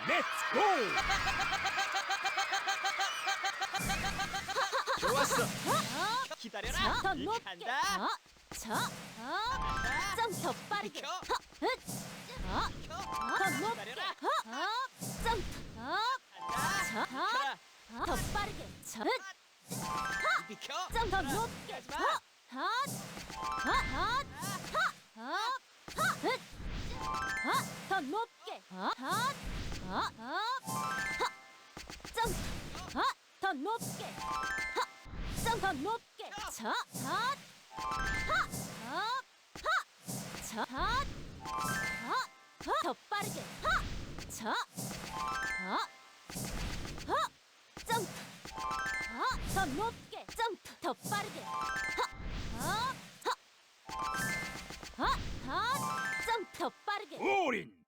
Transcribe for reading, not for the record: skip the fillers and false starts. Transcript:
렛츠 고! 좋았어. 기다려라. 더 이 높게. 간다. 좀 더 빠르게. 비켜. 더 높게. 기다려라. 점프. 간다. 더 빠르게. 비켜. 좀 더 높게. 하지 마. 더 높게. 점프. 더 높게. 좀 더 높게. 더 빠르게. 점프. 더 높게. 점프. 더 빠르게. 점프. 더 빠르게. 올인.